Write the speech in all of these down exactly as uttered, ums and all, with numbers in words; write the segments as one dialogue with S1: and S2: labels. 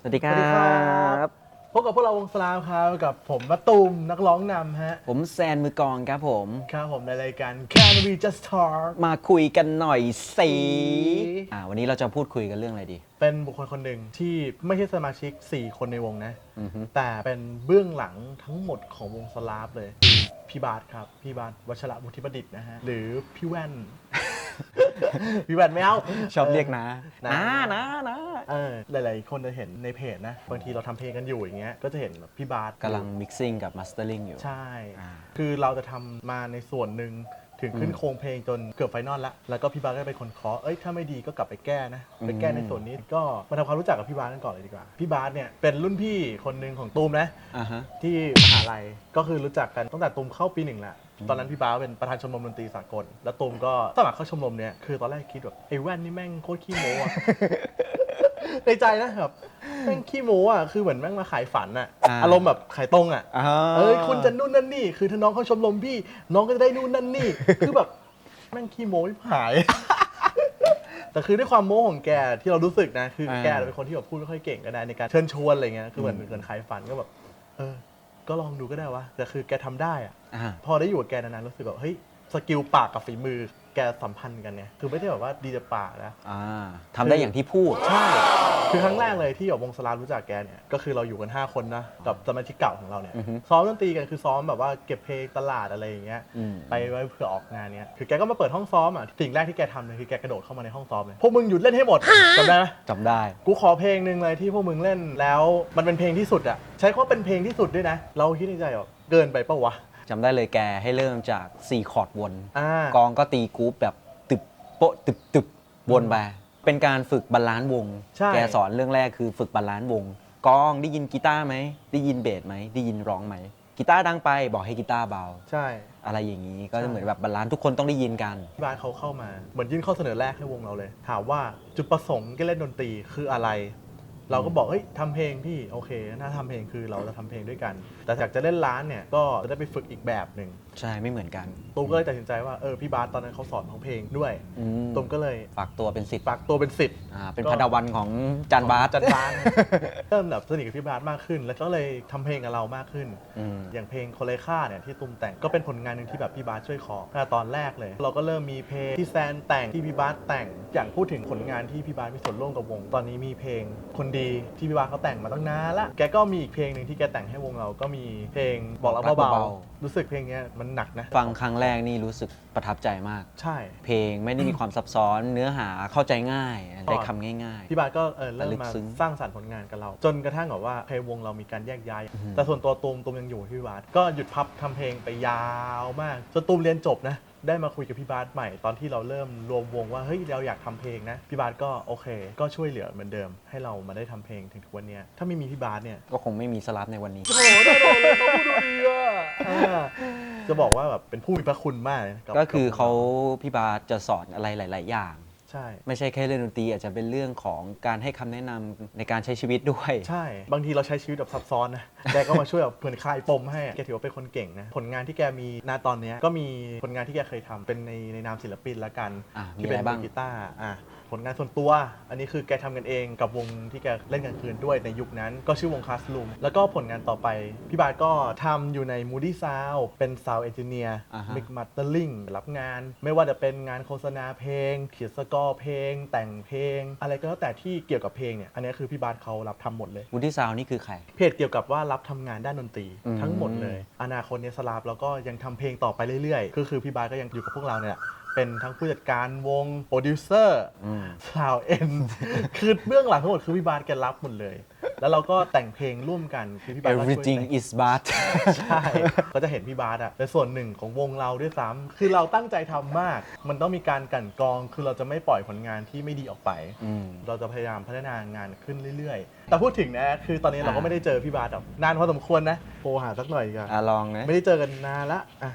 S1: วัสดีครั
S2: สวัสดีครับ
S1: บ
S2: พบกับพวกเราวงสลามครับกับผมมะตูมนักร้องนำฮะ
S1: ผมแซนมือกลองครับผม
S2: ครับผมในรายการ Can We Just Talk
S1: มาคุยกันหน่อยสิ
S2: สิ
S1: อ่าวันนี้เราจะพูดคุยกันเรื่องอะไรดี
S2: เป็นบุคคลคนหนึ่งที่ไม่ใช่สมาชิก สี่ คนในวงนะ
S1: อือฮึ
S2: แต่เป็นเบื้องหลังทั้งหมดของวงสลาฟเลย พี่บาสครับ พี่บาสวัชระมุทิประดิษฐ์นะฮะ หรือพี่แว่น พี่แว่นไม่เอา
S1: ชอบเรียกนะ
S2: นะ
S1: นะนะนะ
S2: เออหลายๆคนจะเห็นในเพจนะ บางทีเราทำเพลงกันอยู่อย่างเงี้ยก็จะเห็นแบบพี่บาส
S1: กำลังมิกซิ่งกับมาสเตอร์ลิงอยู่
S2: ใช่
S1: อ่า
S2: คือเราจะทำมาในส่วนหนึ่งถึงขึ้นโครงเพลงจนเกือบไฟนอลละแล้วก็พี่บาสก็เป็นคนเคาะเอ้ยถ้าไม่ดีก็กลับไปแก้นะ ไปแก้ในส่วนนี้ก็มาทำความรู้จักกับพี่บาสกันก่อนเลยดีกว่า พี่บาสเนี่ยเป็นรุ่นพี่คนหนึ่งของตูมนะ
S1: อ่าฮะ
S2: ที่มหาลัยก็คือรู้จักกันตั้งแต่ตูมเข้าปีหนึ่งแหละ ตอนนั้นพี่บาสเป็นประธานชมรมดนตรีสากล แล้วตูมก็สมัครเข้าชมรมเนี่ยคือตอนแรกคิดแบบไอ้แว่นนี่แม่งโคตรขี้โม้อะ ในใจนะครับแม่งขี้โม้อะคือเหมือนแม่งมาขายฝันอะ
S1: อ่า
S2: อารมณ์แบบขายตรงอะ
S1: อ่า
S2: เอ้ยคุณจะนู่นนั่นนี่ คือถ้าน้องเขาชมรมพี่ น้องก็จะได้นู่นนั่นนี่ คือแบบแม่งขี้โม้ไม่หาย แต่คือด้วยความโม้ของแกที่เรารู้สึกนะ คือแกเป็นคนที่แบบพูดไม่ค่อยเก่งก็ได้ในการเชิญชวนอะไรเงี้ยคือเหมือนเหมือนขายฝันก็แบบเออ ก็ลองดูก็ได้วะแต่คือแกทำได้อะ
S1: อ่า
S2: พอได้อยู่กับแกนานๆรู้สึกแบบเฮ้ยสกิลปากกับฝีมือแกสัมพันธ์กันเนี่ยคือไม่ได้แบบว่าดีแต่ปากนะ
S1: อ่าทำได้อย่างที่พูด
S2: ใช่ คือครั้งแรกเลยที่แบบวงสลารู้จักแกเนี่ย ก็คือเราอยู่กัน ห้า คนนะ กับสมาชิกเก่าของเราเนี่ย
S1: อือฮึ
S2: ซ้อมดนตรีกันคือซ้อมแบบว่าเก็บเพลงตลาดอะไรอย่างเงี้ย
S1: อืม
S2: ไปไว้เพื่อออกงานเนี้ย คือแกก็มาเปิดห้องซ้อมอ่ะ สิ่งแรกที่แกทำเลยคือแกกระโดดเข้ามาในห้องซ้อมเลย พวกมึงหยุดเล่นให้หมดจำได้ไหม
S1: จำได้
S2: กูขอเพลงหนึ่งเลยที่พวกมึงเล่นแล้วมันเป็นเพลงที่สุดอ่ะ ใช้คำว่าเป็นเพลงที่สุดด้วยนะ เราคิดในใจว่าเกินไปปะวะ
S1: จำได้เลยแกให้เริ่มจากสี่คอร์ดวน
S2: อ่า
S1: กองก็ตีกรุ๊ปแบบตึบโป๊ะตึบตึบวนไปเป็นการฝึกบาลานซ์วง
S2: ใช่
S1: แกสอนเรื่องแรกคือฝึกบาลานซ์วง กองได้ยินกีตาร์ไหม ได้ยินเบสไหม ได้ยินร้องไหม กีตาร์ดังไปบอกให้กีตาร์เบา
S2: ใช่
S1: อะไรอย่างนี้ก็
S2: ใช่
S1: จะเหมือนแบบบาลานซ์ทุกคนต้องได้ยินกัน
S2: ที่บ้านเขาเข้ามาเหมือนยื่นข้อเสนอแรกให้วงเราเลย ถามว่าจุดประสงค์การเล่นดนตรีคืออะไร เราก็บอกเฮ้ยทำเพลงพี่โอเคถ้าทำเพลงคือเราจะทำเพลงด้วยกัน แต่อยากจะเล่นร้านเนี่ยก็จะได้ไปฝึกอีกแบบหนึ่ง
S1: ใช่ไม่เหมือนกัน
S2: ตูมก็เลยตัดสินใจว่าเออพี่บาสตอนนั้นเขาสอนของเพลงด้วย
S1: อืม
S2: ตูมก็เลย
S1: ฝากตัวเป็นสิทธิ์
S2: ฝากตัวเป็นสิทธิ์
S1: อ่าเป็น
S2: ก็
S1: พันธวันของจันบาส
S2: จันบาส เริ่มแบบสนิทกับพี่บาสมากขึ้น แล้วก็เลยทำเพลงกับเรามากขึ้น
S1: อืม
S2: อย่างเพลงโคเลค่าเนี่ยที่ตุ้มแต่งก็เป็นผลงานหนึ่งที่แบบพี่บาสช่วยขอตั้งแต่ตอนแรกเลย เราก็เริ่มมีเพลงที่แซนแต่งที่พี่บาสแต่งอย่างพูดถึงผลงานที่พี่บาสมีส่วนร่วมกับวง ตอนนี้มีเพลงคนดีที่พี่บาสเขาแต่งมาตั้งนานละแกก็มีอีกเพลงหนึ่งที่แกแต่งให้วงเราก็มีเพลงบอกรัก
S1: บอกรัก
S2: เบา
S1: เบา
S2: ๆรู้สึกเพลงเนี้ยมันหนักนะ
S1: ฟังครั้งแรกนี่รู้สึกประทับใจมาก
S2: ใช่
S1: เพลงไม่ได้มีความซับซ้อนเนื้อหาเข้าใจง่ายได้คำง่าย
S2: พี่บาสก็เออเริ่ม
S1: ลึก
S2: มา
S1: ซึ้ง
S2: สร้างสรรค์ผลงานกับเรา จนกระทั่งแบบว่าเพลงวงเรามีการแยกย้าย
S1: อือฮึ
S2: แต่ส่วนตัวตูมตูมยังอยู่ที่พี่บาสก็หยุดพับทำเพลงไปยาวมากจนตูมเรียนจบนะได้มาคุยกับพี่บาสใหม่ตอนที่เราเริ่มรวมวงว่าเฮ้ยเราอยากทำเพลงนะพี่บาสก็โอเค ก็ช่วยเหลือเหมือนเดิม ให้เรามาได้ทำเพลงถึงทุกวันเนี้ยถ้าไม่มีพี่บาสเนี่ย
S1: ๆ ก็คงไม่มีสลับในวันนี้
S2: โอ้โหได้เลยเขาพูดดูดีอ่ะอ่าจะบอกว่าแบบเป็นผู้มีพระคุณมากเลยบ
S1: ก็คือเขา
S2: กับ
S1: พี่บาสจะสอนอะไรหลาย ๆ อย่าง
S2: ใช่
S1: ไม่ใช่แค่เล่นดนตรีอาจจะเป็นเรื่องของการให้คำแนะนำในการใช้ชีวิตด้วย
S2: ใช่ บางทีเราใช้ชีวิตแบบซับซ้อนนะ แกก็มาช่วยแบบเหมือนคลายปมให้อะแกถือว่าเป็นคนเก่งนะ ผลงานที่แกมีณตอนเนี้ยก็มีผลงานที่แกเคยทำเป็นในในนามศิลปินละกัน
S1: อ่ะมี
S2: ที่เป็น
S1: อะไรบ้าง
S2: มือกีตาร์อ่ะผลงานส่วนตัว อันนี้คือแกทำกันเองกับวงที่แกเล่นกลางคืนด้วยในยุคนั้น ก็ชื่อวงคลาสลูมแล้วก็ผลงานต่อไป พี่บาสก็ทำอยู่ใน Moody Sound เป็น Sound Engineer
S1: อ่าฮะ
S2: Mix Mastering รับงาน ไม่ว่าจะเป็นงานโฆษณาเพลง เขียนสกอร์เพลง แต่งเพลง อะไรก็แล้วแต่ที่เกี่ยวกับเพลงเนี่ยอันนี้คือพี่บาสเขารับทำหมดเลย
S1: วูดดี้ซาวนี่คือใคร
S2: เพจเกี่ยวกับว่ารับทำงานด้านดนตรี
S1: อืม
S2: ทั้งหมดเลย อนาคตเนี่ยสลาฟแล้วก็ยังทำเพลงต่อไปเรื่อยๆ ก็คือพี่บาสก็ยังอยู่กับพวกเราเนี่ยแหละเป็นทั้งผู้จัดการวงโปรดิวเซอร์
S1: อืม
S2: สาวเอ็น คือเบื้องหลังทั้งหมดคือพี่บาสแกรับหมดเลย แล้วเราก็แต่งเพลงร่วมกันคือพี่บาสก็ช่วย
S1: everything
S2: แต่ง
S1: is bad
S2: ใช่ ก็จะเห็นพี่บาสอ่ะเป็นส่วนหนึ่งของวงเราด้วยซ้ำคือเราตั้งใจทำมาก มันต้องมีการกลั่นกรอง คือเราจะไม่ปล่อยผลงานที่ไม่ดีออกไป
S1: อืม
S2: เราจะพยายามพัฒนางานขึ้นเรื่อยๆ แต่พูดถึงนะ คือตอนนี้เราก็
S1: อ่า
S2: ไม่ได้เจอพี่บาสแบบนานพอสมควรนะโทรหาสักหน่อยดีกว่า
S1: อ่ะลองนะ
S2: ไม่ได้เจอกันนานละอ่ะ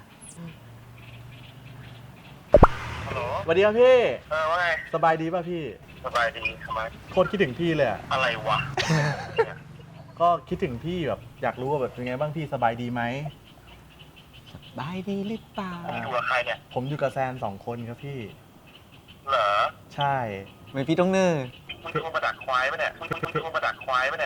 S3: ฮัลโหล
S2: สวัสดีครับพี่
S3: เออว่าไง
S2: สบายดีป่ะพี่
S3: สบายดีทำไม
S2: โคตรคิดถึงพี่เลยอะ
S3: อะไรวะ
S2: ก็คิดถึงพี่แบบอยากรู้ว่าแบบเป็นไงบ้างพี่สบายดีไหม
S1: บายดีหรือเปล่า
S3: อยู่กับใครเนี่ย
S2: ผมอยู่กับแซนสองคนครับพี่
S3: เหรอ
S2: ใช่
S1: เหมือนพี่ต้องเนอร์
S3: อมึงโทรมาดักควายปะเนี่ยมึงมึงโทรมาดักควายปะเนี่ย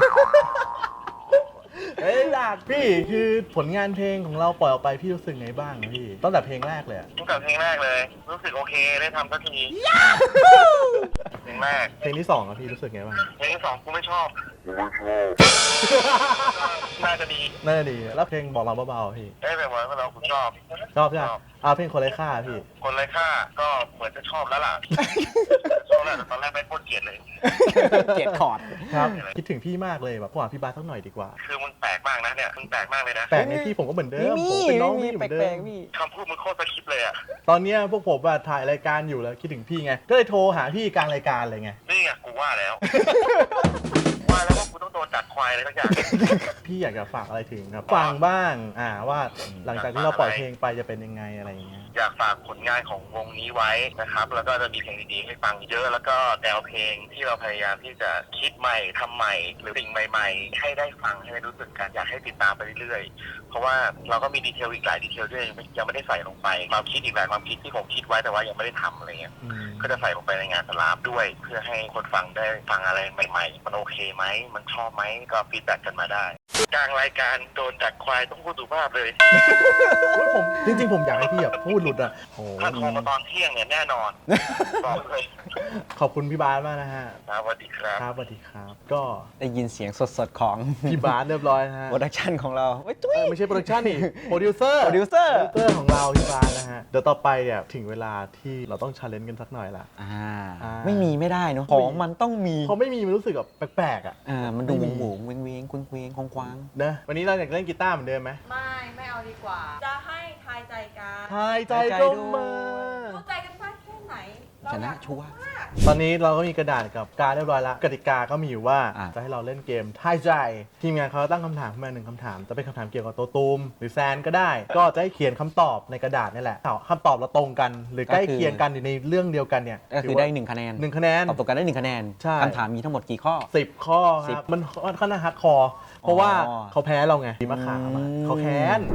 S2: เอ้ยดาดพี่คือผลงานเพลงของเราปล่อยออกไปพี่รู้สึกไงบ้างพี่ตั้งแต่เพลงแรกเลยอะ
S3: ตั้งแต่เพลงแรกเลย รู้สึกโอเคได้ทำสักทีเพลงแรก
S2: เพลงที่สองอะพี่รู้สึกไงบ้าง
S3: เพลงที่สองกูไม่ชอบกูไม่ชอบน่าจะดี
S2: น่าจะดีแล้วเพลงบอกเราเบาๆพี่
S3: เอ้ยแบบว่าเรากูชอบ
S2: ชอบใช่ไหมอ่าเพลงคนไร้ค่าพี่
S3: คนไร้ค่าก็เหมือนจะชอบแล้วล่ะชอบแล้วแต่ตอนแรกไม่โคตรเกลียดเลย
S1: เกลียดคอร์ด
S2: ครับคิดถึงพี่มากเลยแบบพวกพี่บาสสักหน่อยดีกว่า
S3: คือมึงแปลกมากนะเนี่ยมึงแปลกมากเลยนะ
S2: แปลกในพี่ผมก็เหมือนเดิมผมเป็นน้องพี่เหมือนเดิม
S3: คำพูดมึงโคตรสคริปต์เลยอ่ะ
S2: ตอนเนี้ยพวกผมอะถ่ายรายการอยู่แล้วคิดถึงพี่ไงก็เลยโทรหาพี่กลางรายการเลยไง
S3: นี่ไงกูว่าแล้ว ว่าแล้วว่ากูต้องโดนดักควายอะไรสักอย่าง
S2: พี่อยากจะฝากอะไรถึงครับฟังบ้างอ่าว่าหลังจากที่เราปล่อยเพลงไปจะเป็นยังไงอะไรอย่างเงี้ย
S3: อยากฝากผลงานของวงนี้ไว้นะครับ แล้วก็จะมีเพลงดีๆให้ฟังเยอะ แล้วก็แนวเพลงที่เราพยายามที่จะคิดใหม่ทำใหม่ หรือสิ่งใหม่ ๆ ให้ได้ฟังให้ได้รู้สึกกันอยากให้ติดตามไปเรื่อยๆ เพราะว่าเราก็มีดีเทลอีกหลายดีเทลที่ยังไม่ได้ใส่ลงไปความคิดอีกหลายความคิดที่ผมคิดไว้แต่ว่ายังไม่ได้ทำอะไรเงี้ย
S2: อืม
S3: ก็จะใส่ลงไปในงานสลาฟด้วย เพื่อให้คนฟังได้ฟังอะไรใหม่ๆ มันโอเคไหมมันชอบไหมก็ฟีดแบ็กกันมาได้กลางรายการโดนดักควายต้องพูดสุภาพเลย
S2: โอ้ยผมจริงๆผมอยากให้พี่แบบพูดหลุดอ่ะโอ้
S3: ถ้าโทรมาตอนเที่ยงเนี่ยแน่นอนบอกเลย
S2: ขอบคุณพี่บาสมากนะฮะ
S3: ครับสวัสดีครับ
S2: ครับสวัสดีครับ ก็
S1: ได้ยินเสียงสดๆของ
S2: พี่บาสเรียบร้อยนะฮะ
S1: โปรดักชันของเราเว้ยจุ้ย
S2: เออไม่ใช่โปรดักชันนี่โปรดิวเซอร์
S1: โปรดิวเซอร์
S2: โปรดิวเซอร์ของเราพี่บาสนะฮะเดี๋ยวต่อไปเนี่ยถึงเวลาที่เราต้องชาเลนจ์กันสักหน่อยละ
S1: อ่า
S2: อ่า
S1: ไม่มีไม่ได้เนอะของมันต้องมี
S2: พอไม่มีมันรู้สึกแบบแปลกๆอ่ะ
S1: อ่ามันดู
S2: ไม่
S1: ห
S2: มี
S1: มูหมูเวงเวงๆคว้งๆคว้าง
S2: นะวันนี้เราอยากเล่นกีตาร์เหมือนเดิมไหม
S4: ไม่ ไม่เอาดีกว่า จะให้ทายใจกัน
S2: ทายใจก็มา
S4: เข้าใจกันมากแค่ไหน
S1: ๆชนะชัวร์
S4: มาก
S2: ตอนนี้เราก็มีกระดาษกับการดเรียบร้อยแล้วกติกาก็มีอยู่ว่า
S1: อ่ะ
S2: จะให้เราเล่นเกมทายใจ ทีมงานเขาตั้งคำถามขึ้นมาหนึ่งคำถาม จะเป็นคำถามเกี่ยวกับตัวตูมหรือแซนก็ได้ ก็จะให้เขียนคำตอบในกระดาษนี่แหละถ้าคำตอบเราตรงกัน หรือใกล้เคียงกันอยู่ในเรื่องเดียวกันเนี่ย
S1: ก็คือได้หนึ่งคะแนน
S2: หนึ่งคะแนน
S1: ตอบตกกันได้หนึ่งคะแนน
S2: ใช่
S1: คำถามมีทั้งหมดกี่ข้อ
S2: สิบข้อค
S1: สิบ
S2: รับมันค่อนข้างฮัดคอร์เพราะว่า
S1: อ๋อ
S2: เขาแพ้เราไงทีมะขามอะ
S1: อืม
S2: เขาแค้น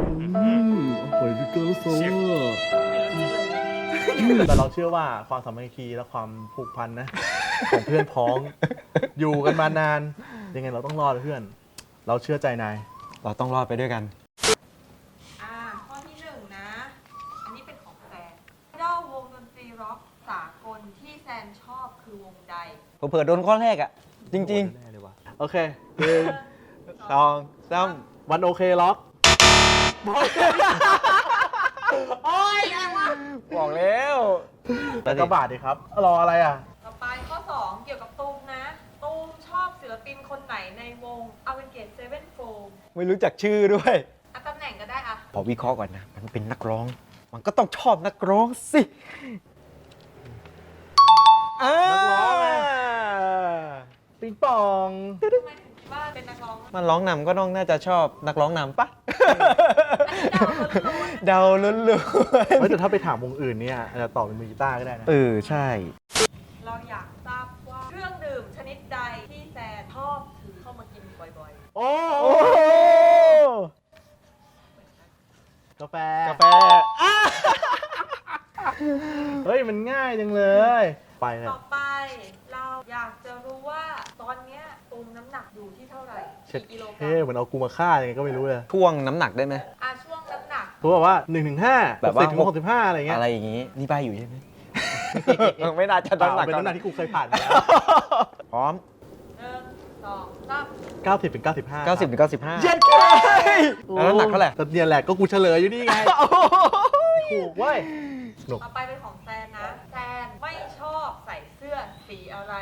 S2: แต่เราเชื่อว่าความสามัคคีและความผูกพันนะ ของเพื่อนพ้อง อยู่กันมานาน ยังไงเราต้องรอดเพื่อน เราเชื่อใจนาย
S1: เราต้องรอดไปด้วยกัน
S4: อ่า ข้อที่หนึ่งนะ อันนี้เป็นของแซนไอดอลวงดนตรีร็อกสากลที่แซนชอบคือวงใด
S1: เผื่อๆโดนข้อแรกอ่ะ จริง
S2: แน่เลยว่ะโอเคหนึ่ง
S1: ๆสองสาม
S2: วันโอเคล็อก
S1: บอกแล้ว
S2: แล้วก็บาทดีครับ รออะไรอ่ะ
S4: ต่อไปข้อสองเกี่ยวกับตูมนะ ตูมชอบศิลปินคนไหนในวง a v e n g a t e Sevenfold
S1: ไม่รู้จักชื่อด้วย
S4: อ่ะตำแหน่งก็ได้อ่ะ
S1: พอวิเคราะห์ก่อนนะ มันเป็นนักร้อง มันก็ต้องชอบนักร้องสิอ่า
S2: นักร้องไง ปิงปอง
S4: ทำไมถึงคิดว่าเป็นนักร้องอ่ะ
S1: มันร้องนำก็ต้องน่าจะชอบนักร้องนำปะ
S4: อันนี้เดาล้วนๆ
S1: เดาล้วน
S2: เฮ้ยแต่ถ้าไปถามวงอื่นเนี่ยอาจจะตอบเป็นมือกีตาร์ก็ได้นะ
S1: ๆเออ ใช่
S4: เราอยากทราบว่าเครื่องดื่มชนิดใดที่แซนชอบถือเข้ามากินบ่อย
S2: โอ้
S1: โอ้โห
S2: กาแฟ
S1: กาแฟ
S2: เฮ้ย มันง่ายจังเลย ไปเล
S4: ๆ
S2: ย
S4: ต่อไปเราอยากจะรู้ว่าตอนเนี้ยตูมน้ำหนักอยู่ที่เท่าไหร่
S2: เช็ด
S4: กี่กิโลกรั
S2: เท่เหมือนเอากูมาฆ่ายังไงก็ไม่รู้เลย
S1: ท่วงน้ำหนักได้ไหม
S4: อ่ะช่วงน้ำหนัก
S2: เขาบอกว่าหนึ่งถึงห้า
S1: แบบว่า
S2: สิบถึงหกสิบห้าอะไรเงี้ย
S1: อะไรอย่างงี้ นี่ใบอยู่ใช่ไหม ไม่น่าจะ
S2: เปล่า
S1: น้ำหนัก
S2: เป็นน้ำหนักที่กูเคยผ่านมาแล้ว
S1: พร้อม
S4: หนึ่งสองสาม
S2: เก้าสิบถึงเก้าสิบห้า
S1: เก้าสิบถึงเก้าสิบห้า
S2: เย็นแค่
S1: แล้วน้ำหนักเท่าไหร่
S2: แต่เนี่ยแหละก็กูเฉลยอยู่นี่ไง ถูกเว้ยหนุก
S4: ต่อไปเป็นของแซนนะ แซนไม่ชอบใส่เสื้อสีอะไร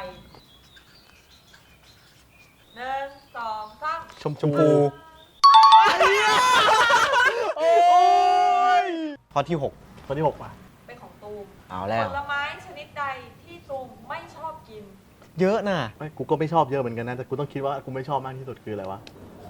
S4: หนึ่งสองสาม
S2: ชม
S1: ชมพูข้อที่หก
S2: คนที่หกป่ะ
S4: เป็นของตูม
S1: เอาแล้ว
S4: ผลไม้ชนิดใดที่ตูมไม่ชอบกิน
S1: เยอะน่ะ
S2: ไม่กูก็ไม่ชอบเยอะเหมือนกันนะ แต่กูต้องคิดว่ากูไม่ชอบมากที่สุดคืออะไรวะ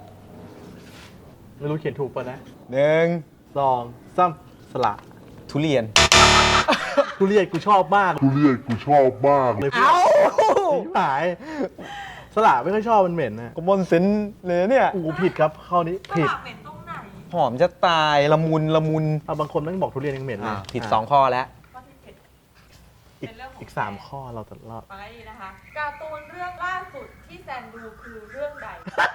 S2: ไม่รู้เขียนถูกป่ะนะ
S1: หนึ่ง
S2: สองสามสละ
S1: ทุเรียน
S2: ทุเรียนกูชอบมาก
S5: ทุเรียนกูชอบมาก
S2: เลยพี่หายสละไม่ค่อยชอบมันเหม็นนะ
S1: กมลสินเลยเนี่ย
S2: กูผิดครับข้อนี้
S4: ส
S2: ผิด
S4: ลับเหม็นตรงไหน
S1: หอมจะตายละมุนละมุน
S2: เอาบางคนแม่งบอกทุเรียนยังเหม็นเล
S1: อ่าย ผิดสองข้อแล้ว
S4: ข้อที่เจ็ด
S2: อีก
S4: เป็นเรื่องของ
S2: อีกสาม
S4: แซน
S2: ข้อเราจะรอด
S4: ฟังให้ดีนะคะ การ์ตูนเรื่องล่าสุดที่แซนดูคือเรื่องใด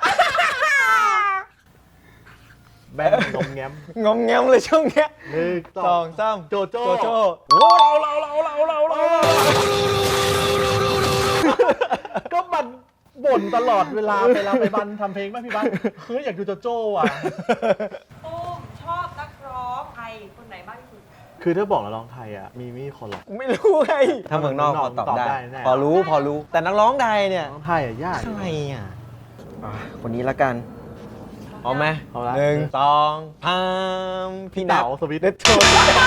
S2: แบนงมแง้ม
S1: งอมแงมเลยช่วงเนี้ย
S2: หนึ่ง
S1: สองสาม
S2: โจโจ้
S1: โจโจ้โอ้เราเราเราเราเราเรา
S2: ก็มันบ่นตลอดเวลาเวลาไปบันทำเพลงป่ะพี่บันเฮ้ยอยากดูโจโจ้อ่ะ
S4: ตุ้มชอบนักร้องไทยคนไหนมากที่สุด
S2: คือถ้าบอกแล้วร้องไทยอ่ะมีไม่มีคนหรอก
S1: ไม่รู้ไงถ้าเมืองนอกพอตอบ
S2: ตอบได้
S1: ได้
S2: แน่
S1: พอรู้พอรู้ แต่นักร้องใดเนี่ย
S2: ร้องไทยอ่ะยาก
S1: ใครอ่ะอ่ะคนนี้ละกันพร้อมไหม
S2: พร้อมละ
S1: หนึ่งสองพามพี่นั
S2: เต๋า
S1: บ
S2: สวิต
S1: เด็ดโชด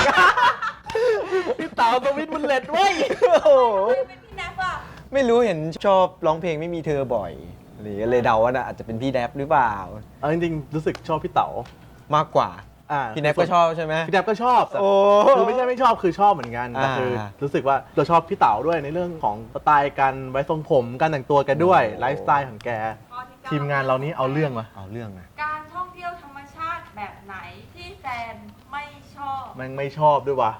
S2: พี่เต๋าสวิตมันเล็ดเว้ย
S1: โอ้โห
S4: เป็นพี่แนฟอะ
S1: ไม่รู้เห็นชอบร้องเพลงไม่มีเธอบ่อยหรือเลยเดาว่าน่ะอาจจะเป็นพี่แดบหรือเปล่า
S2: เอาจริงๆรู้สึกชอบพี่เต๋าม
S1: ากกว่า
S2: อ่า
S1: พี่แดบก็ชอบใช่ไหม
S2: พี่แดบก็ชอบแต่
S1: โอ้
S2: คือไม่ใช่ไม่ชอบคือชอบเหมือนกันแต่คือ
S1: อ่า
S2: รู้สึกว่าเราชอบพี่เต๋าด้วยในเรื่องของสไตล์การไว้ทรงผมการแต่งตัวแกด้วย
S1: โอ้
S2: ไลฟ์สไตล์ของแก
S4: ข้อที่เก้
S2: ทีมงานเรานี้เอาเรื่องมา
S1: เอาเรื่องนะ
S4: การท่องเที่ยวธรรมชาติแบบไหนที่แซนไม่ชอบ
S2: แม่งไม่ชอบด้วยวะ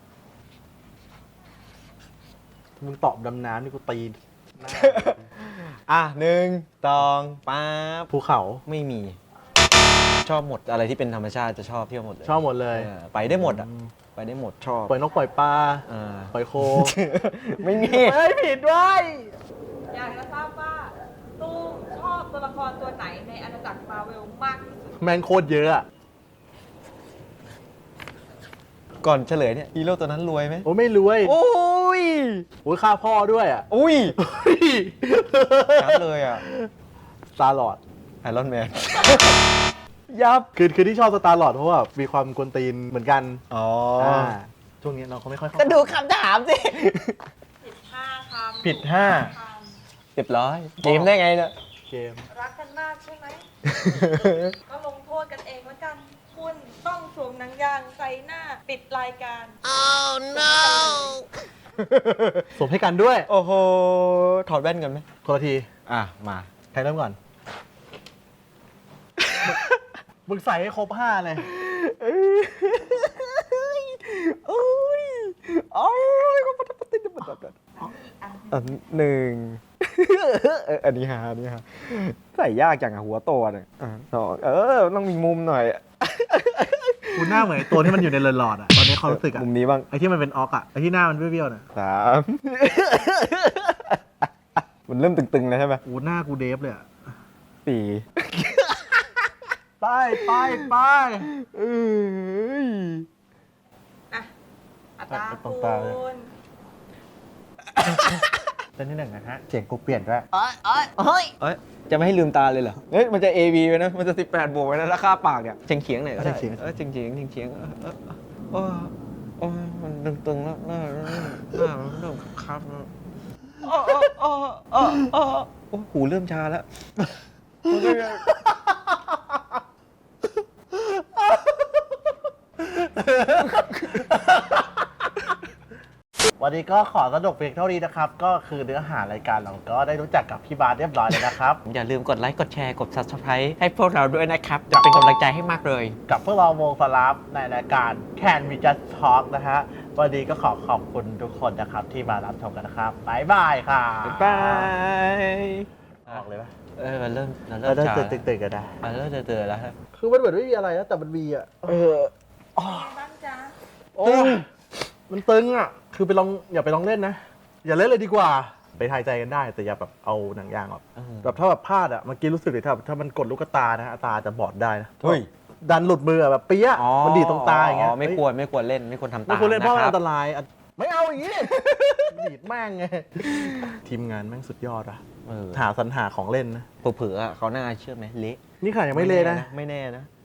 S2: มึงตอบดำน้ำนี่กูตีหน้า
S1: อ่ะหนึ่งสองป๊าบ
S2: ภูเขา
S1: ไม่มี ชอบหมดอะไรที่เป็นธรรมชาติจะชอบเที่ยวหมดเลย
S2: ชอบหมดเลย
S1: เออไปได้หมดอ่ะ
S2: อืม
S1: ไปได้หมดชอบ
S2: ปล่อยนกปล่อยปลา
S1: อ่า
S2: ปล่อยโค
S1: ไม่มี
S2: เฮ้ยผิดด้วย
S4: อยากจะทราบว่าตุ้มชอบตัวละครตัวไหนในอาณาจักรมาเวลมากที่สุด
S2: แมงโคตรเยอะอะ
S1: ก่อนเฉลยเนี่ยฮีโร่ตัวนั้นรวยไหม
S2: โอ้ไม่รวย
S1: โอ้ย
S2: โอ้ยฆ่าพ่อด้วยอ่ะ
S1: อุ้ยชัดเลยอ่ะ
S2: สตาร์ลอร์ด
S1: ไอรอนแมน ยับ
S2: คือคือที่ชอบสตาร์ลอร์ดเพราะว่ามีความกวนตีนเหมือนกัน
S1: อ๋อ
S2: อ่าช่วงนี้เราก็ไม่ค่อยเข้า
S1: ก็ดูคำถามสิ
S4: ผิดห้าคำ
S2: ผิดห้า
S4: ค
S1: เรียบร้อย เกมได้ไงเนี่ย
S2: เกม
S4: ำรักกันมากใช่ไหม ก็ลงโทษกันเองแล้วกัน คุณต้องสวมหนังยางใส่หน้าปิดรายการ
S2: สมให้กันด้วย
S1: โอ้โห ถอดแว่นกันไหม
S2: คนละที
S1: อ่ะ มา
S2: ใครเริ่มก่อน มึงใส่ให้ครบห้าเลย
S1: โอ้ยโอ้ยก็ปฏิปฏิปฏิปฏิอันหนึ่งเอออันนี้ฮะอันนี้ฮะใส่ยากจังอะหัวโตเนี่ยอ่ะสองเออ ต้องมีมุมหน่อย
S2: คุณหน้าเหมือนไอ้ตัวที่มันอยู่ในหลอดๆอ่ะ ตอนนี้เขารู้สึกอ่ะ
S1: มุมนี้บ้าง
S2: ไอ้ที่มันเป็นออกอ่ะ ไอ้ที่หน้ามันเบี้ยวๆน่ะ
S1: สาม มันเริ่มตึงๆแล้วใช่ไหม
S2: โอ้หน้ากูเดฟเลยอ่ะ
S1: สี่
S2: ไปไปไป
S1: เอ้ย
S4: อ่ะอัตรา
S2: ตรง
S4: คู
S2: ตาเลย
S4: ณ
S2: เต้นที่หนึ่งนะฮะ เสียงกูเปลี่ยนด้วย
S1: เอ้ย จะไม่ให้ลืมตาเลยเหรอ เฮ้ย มันจะ เอ บี ไว้นะ มันจะสิบแปดบวกไว้นะราคาปากเนี่ยเฉียงเฉียงๆหน่อยก็ได้
S2: เฉียงๆ
S1: เออเฉียงเฉียงเฉียงเฉียงๆเออเออเออโอ้ยมันตึงๆแล้วหน้าหน้าหน้ามันเริ่มคับแล้วอ้ออ้ออ้ออ้อโอ้หูเริ่มชาแล้ว
S2: วันนี้ก็ขอสนุกเพียงเท่านี้นะครับ ก็คือเนื้อหารายการเราก็ได้รู้จักกับพี่บาสเรียบร้อยเลยนะครับ
S1: อย่าลืมกดไลค์ กดแชร์ กด Subscribe ให้พวกเราด้วยนะครับ จะเป็นกำลังใจให้มากเลย
S2: กับพวกเราวงสลับในรายการ Can We Just Talk นะฮะ วันนี้ก็ขอขอบคุณทุกคนนะครับที่มารับชมกันนะครับบ๊ายบายค่ะ
S1: บ๊ายบาย
S2: ออกเลยปะ
S1: เออมันเริ่มมัน
S2: เอ
S1: เริ่
S2: อ
S1: ม
S2: ได้
S1: ชา
S2: ตื่นตื่นกันได้
S1: มันเริ่มเตือนๆแล้วครับ
S2: คือมันเหมือนไม่มีอะไรนะแต่มันมีอ่ะ
S1: เออ
S4: บ้างจ๊ะ
S2: โอ้ยมันตึงอ่ะ คือไปลองอย่าไปลองเล่นนะ อย่าเล่นเลยดีกว่า ไปทายใจกันได้ แต่อย่าแบบเอาหนังยางออก
S1: เออ
S2: แบบถ้าแบบพลาดอ่ะเมื่อกี้รู้สึกเลยถ้าถ้ามันกดลูกตานะตาจะบอดได้นะ
S1: เฮ้ย
S2: ดันหลุดมืออะแบบเปี้ยะมันดีดตรงตาอย่างเงี้ย
S1: ไม่ควรไม่ควรเล่นไม่ควรทำตาม
S2: ไม่ควรเล่นเพราะมัน
S1: ค
S2: อั
S1: บ
S2: นตรายอะไม่เอาอย่างงี้ ดีดแม่งไงทีมงานแม่งสุดยอดอ่ะ
S1: เออ
S2: หาสรรหาของเล่นนะ
S1: เผื่อๆอะเขาน่าเชื่อไหมเละ
S2: นี่ขนาดยังไม่เละนะ
S1: ไม่แน่นะ